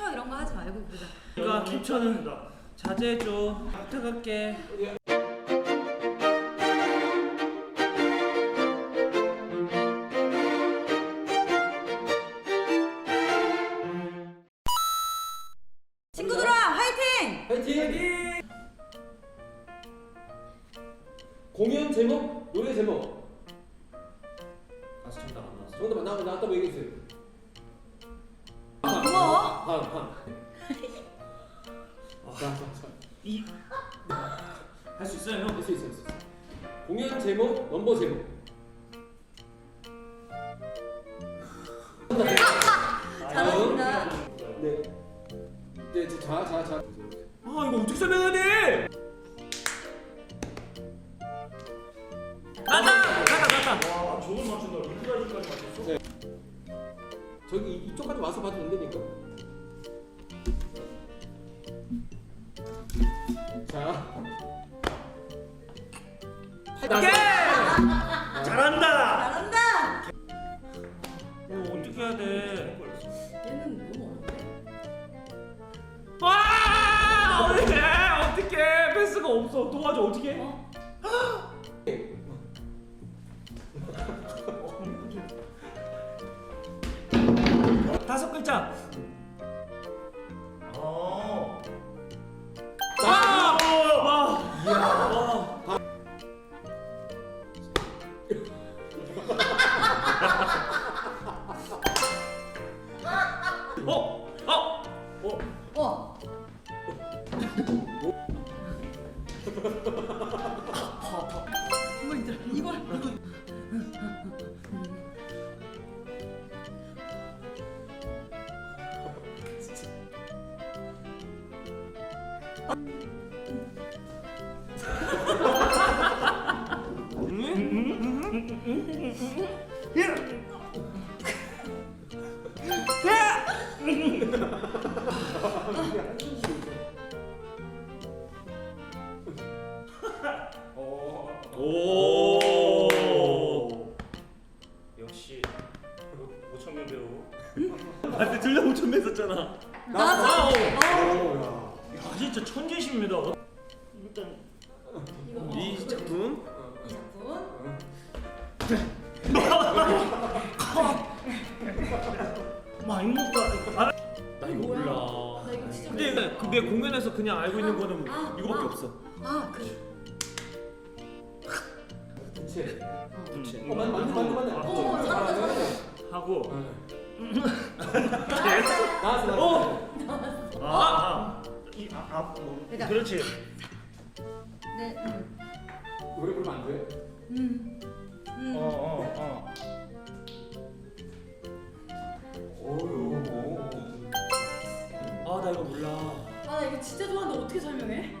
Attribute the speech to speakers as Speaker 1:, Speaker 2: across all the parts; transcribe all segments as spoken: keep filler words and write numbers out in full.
Speaker 1: 캡처 이런 거 하지 말고 보자.
Speaker 2: 그러니까 캡처는 자제해줘. 부탁할게.
Speaker 1: 친구들아 화이팅!
Speaker 3: 파이팅! 파이팅! 공연 제목, 노래 제목.
Speaker 2: 가수 정답 안 나왔어.
Speaker 3: 정답 나왔다 나왔다고 얘기했어요.
Speaker 1: 고마워.
Speaker 3: 다음 다음. 자, 자, 자.
Speaker 2: 이 할 수 있어요 형?
Speaker 3: 할수 있어, 할수 있어. 공연 제목, 넘버 제목.
Speaker 1: 잘하신다.
Speaker 3: 네. 네, 자, 자, 자.
Speaker 2: 아 이거 어떻게 설명해야 돼? 나다! 나다 나다!
Speaker 4: 와 저걸 맞춘다. 이프라이즈까지 맞췄어?
Speaker 3: 네. 저기 이- 이쪽까지 와서 봐도 된다니까. 자.
Speaker 2: 오케이! 잘한다!
Speaker 1: 잘한다.
Speaker 2: 어 어떻게 해야 돼?
Speaker 1: 얘는 너무 어려운데?
Speaker 2: 와! 어떡해! 어떡해! 패스가 없어. 도와줘 어떡해?
Speaker 1: 어?
Speaker 2: 다섯 글자.
Speaker 4: 어.
Speaker 2: 와! 와! 이야. 와. 어? 어?
Speaker 4: 어.
Speaker 1: 어. 뭐 있더라? 이걸
Speaker 2: 오.
Speaker 4: 역시 오천명 배우.
Speaker 2: 아, 근데 둘 다 오천 명 썼잖아.
Speaker 1: 나왔어.
Speaker 2: 어.
Speaker 1: 어.
Speaker 2: 야, 진짜 천재십니다.
Speaker 4: 일단
Speaker 1: 이거
Speaker 2: 이 작품
Speaker 1: 이 작품.
Speaker 2: 많이 먹다. 아, 나 이거
Speaker 1: 뭐야?
Speaker 2: 몰라.
Speaker 1: 나 이거 진짜
Speaker 2: 근데
Speaker 1: 몰라.
Speaker 2: 그 내 공연에서 그냥 알고 있는 거는
Speaker 1: 아,
Speaker 2: 이거밖에
Speaker 1: 아.
Speaker 2: 없어.
Speaker 1: 아 그래.
Speaker 3: 부채.
Speaker 2: 그렇지.
Speaker 3: 어, 맞네, 맞네, 맞네, 맞네.
Speaker 1: 어, 잘한다, 잘한다.
Speaker 2: 하고.
Speaker 3: 나왔어, 나왔어.
Speaker 2: 어. 아, 아. 이 아, 아 뭐.
Speaker 1: 그러니까.
Speaker 2: 그렇지.
Speaker 1: 네. 음.
Speaker 3: 노래 부르면 안 돼?
Speaker 1: 음. 음.
Speaker 2: 어, 어, 어.
Speaker 3: 오요.
Speaker 2: 아, 나 이거 몰라.
Speaker 1: 아, 나 이거 진짜 좋아하는데 어떻게 설명해?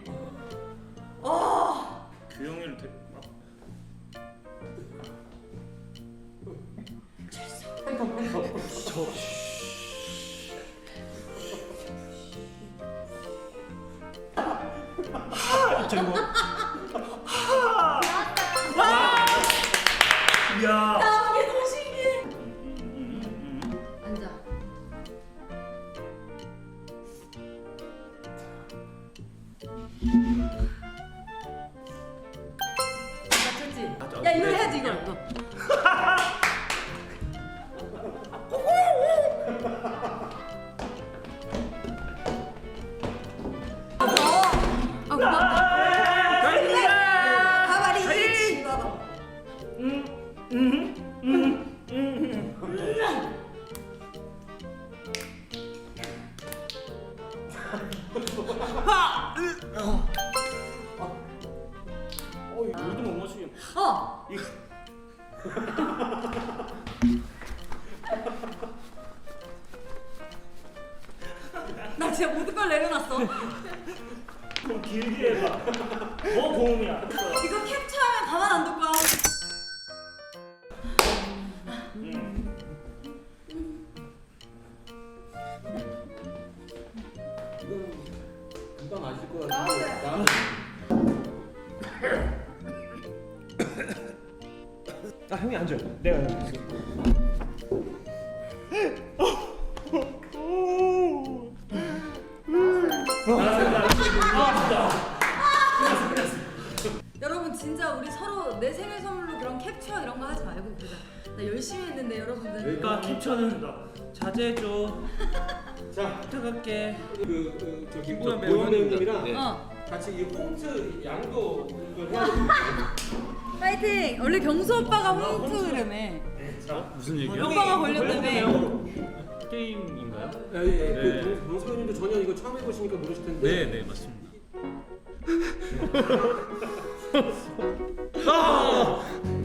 Speaker 1: 아.
Speaker 2: 규영이를 대.
Speaker 3: 팬텀, 팬텀.
Speaker 2: 저. 하! 저 이거. 하! 와! 야.
Speaker 1: 나 이게 너무 신기해. 앉아. 맞췄지? 야 이걸 해야지 이걸. 아 고맙다. 가만히 있지 봐봐.
Speaker 2: 어, 이거 물도 못 맞추겠네.
Speaker 1: 어.
Speaker 2: 이거.
Speaker 1: 나 진짜 모든 걸 내려놨어.
Speaker 2: 좀 길게 해봐. 더 고음이야.
Speaker 1: 이거 캡처하면 가만 안 둘 거야.
Speaker 3: 이건 금방 아실 것
Speaker 1: 나오세요.
Speaker 3: 같은데. 나
Speaker 2: 아, 형이 앉아. 내가 여기 있어. 그러니까 캡처는 자제해줘.
Speaker 3: 자,
Speaker 2: 부탁할게.
Speaker 3: 그, 그, 저
Speaker 2: 김보현
Speaker 3: 김보현
Speaker 2: 배우님.
Speaker 3: 배우님이랑
Speaker 2: 네.
Speaker 1: 어.
Speaker 3: 같이 이 홈트 양도 이걸 해야 되는데.
Speaker 1: 파이팅! 원래 경수 오빠가 홈트라며.
Speaker 2: 무슨 얘기야?
Speaker 1: 오빠가 걸렸다며.
Speaker 2: 게임인가요?
Speaker 3: 예, 예, 예.
Speaker 2: 네.
Speaker 3: 그 방송님도 전혀 이거 처음 해보시니까 모르실 텐데.
Speaker 2: 네, 네, 맞습니다. 아!